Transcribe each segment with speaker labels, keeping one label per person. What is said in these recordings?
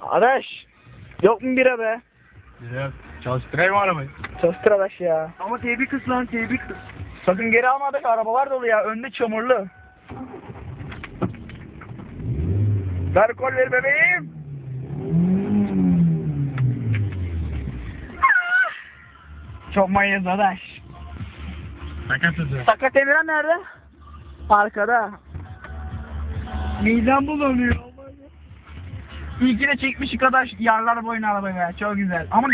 Speaker 1: Adaş. Yok mu bira be?
Speaker 2: Güzel. Çalıştırayım arabayı.
Speaker 1: Çalıştır Adaş ya.
Speaker 3: Ama teybi kız lan teybi kız.
Speaker 1: Sakın geri alma Adaş, arabalar dolu ya. Önde çamurlu. Ver kol ver bebeğim. Çok manyak Adaş.
Speaker 2: Sakat hızı.
Speaker 1: Sakat Emirhan nerede? Arkada.
Speaker 3: Midem bulanıyor.
Speaker 1: İlki de çekmiş Adaş yarlar boyuna arabayı be. Çok güzel. Ama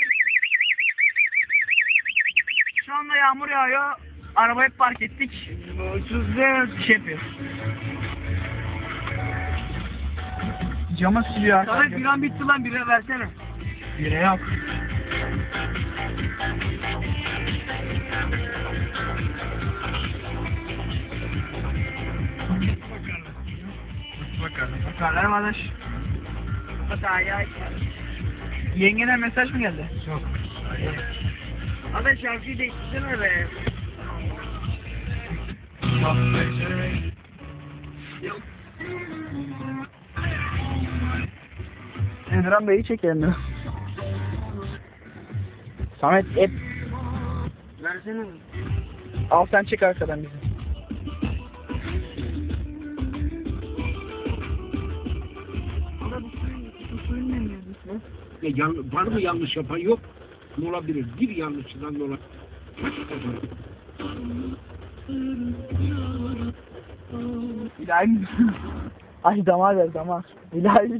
Speaker 1: şu anda yağmur yağıyor. Arabayı park ettik.
Speaker 3: Mutsuzluk.
Speaker 1: Şey yapıyor. Cama siliyor
Speaker 3: Sana
Speaker 1: arkadaşlar.
Speaker 3: biran bitti lan bira versene.
Speaker 1: Bire yok.
Speaker 2: Bakalım.
Speaker 1: Bakarlar mı Adaş?
Speaker 3: Hataya.
Speaker 1: Yengene mesaj mı geldi?
Speaker 2: Yok.
Speaker 3: Ama şarkıyı değiştirsene be.
Speaker 1: Emirhan Bey'i çekelim mi? Samet hep
Speaker 3: Versene.
Speaker 1: al sen çek arkadan bizi.
Speaker 4: Ya var mı yanlış yapan yok. Ne olabilir? Bir yanlışından dolayı.
Speaker 1: İlahi. Ay damar ver damar. İlahi.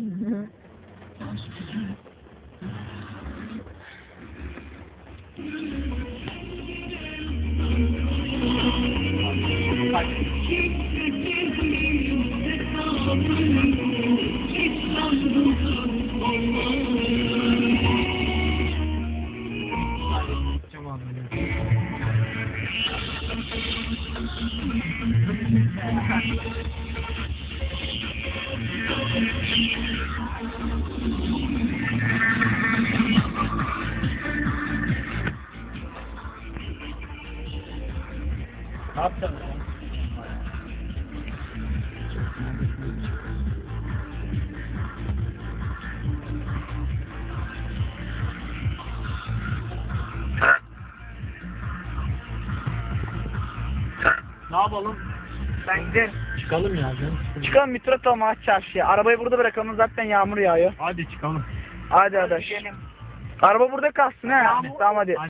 Speaker 2: Ne yaptın?
Speaker 1: Ne yapalım? Ben giderim.
Speaker 2: Çıkalım ya.
Speaker 1: Çıkalım Mitrat olma çarşıya. Arabayı burada bırakalım, zaten yağmur yağıyor.
Speaker 2: Hadi çıkalım.
Speaker 1: Hadi Adaş. Araba burada kalsın he. Tamam hadi.